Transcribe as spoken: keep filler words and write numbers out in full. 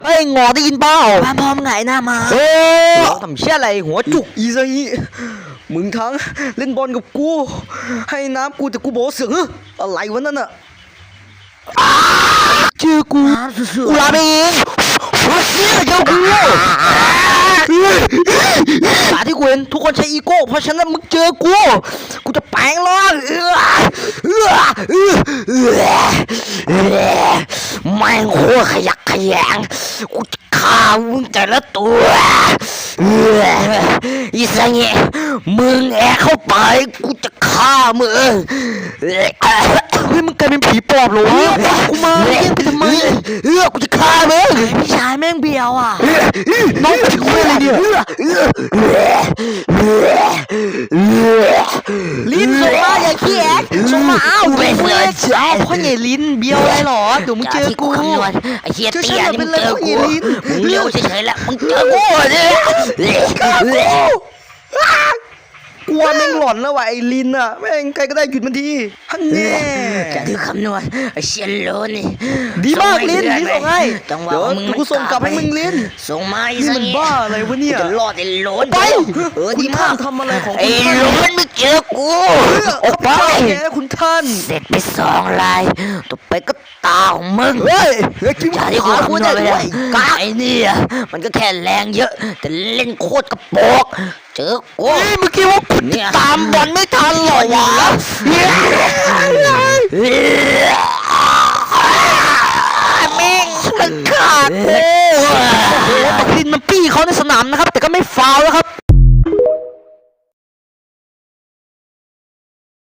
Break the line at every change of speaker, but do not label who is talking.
เฮ้ยงอได้ยินเปล่า
พามพร้อมไงหน้ามา
เฮ้ยทำเชี่ยอะไรหัวจุกอีซะอีมึงทั้งเล่นบอลกับกูให้น้ำกูแต่กูบอกเสือกอะไรวะนั่นน่ะเจอกูกูลาไปเองเนี่ยเจอกูสาที่กูเห็นทุกคนใช้อีโก้เพราะฉะนั้นมึงเจอกูกูจะแปลงร่างแม่งโคตรขยักขยงกูจะฆ่ามึงแต่ละตัวอีสังเงมึงแอบเข้าไปกูจะฆ่ามึงเฮ้ยมึงกลายเป็นผีปอบเหรอกูมาเรียกกูทำไมเออกูจะฆ่ามึง
พี่ชายแม่งเบียวอ่ะ
น้องถึงเวลาเนี่ยลิ้นส่งมาอย่าขี้แอกส่งมาอ้าวเป็นเพื่อนอ้าวพ่อใหญ่ลิ้นเบี้ยวอะไรหรอเดี๋ยวมึงเจอกู
ไอ้เหี้ยเตี้ยนี่มึงเจอกูมึง
เลี้
เลี้ยวเฉยๆแล้วมึงเจอกู
เนี่ยกลัวแม่งหลอนแล้วว่ะไอ้ลินอ่ะแม่งใครก็ได้หยุดมันทีฮันแน่
จะคือคำนวณไอ้เชียนโลนี่
ดีมากลินลินส่งให้เดี๋ยวกูส่งกลับให้มึงลิน
ส่งมาไอ้
นี่
สั
มันบ้าอะไรวะเนี่ย
จะรอดไอ้โลน
ไป
เออดีมาก
ทำอะไรของ
ไอ้
คุณ
โลนไม่เจอกู
ออกไปแกคุณท่าน
เสร็จไปสองลายต่อไปก็ตาของมึง
เฮ้ยเฮ้ยคิด
จา
ว่า
ที่กู
ขา
คำ
กู
นว
ได้
ณไป
ด้
แล้ว
วยกา
ไอ้นี่มันก็แค่แรงเยอะแต่เล่นโคตรกระโปกเจอกู
เฮ้ยเมื่อกี้ว่าเนี่ยตามบอลไม่ทันหรอวะ
แม่งมันขาด
โอ้โหบักลินมันปี้เขาในสนามนะครับแต่ก็ไม่ฟาวล์นะครับ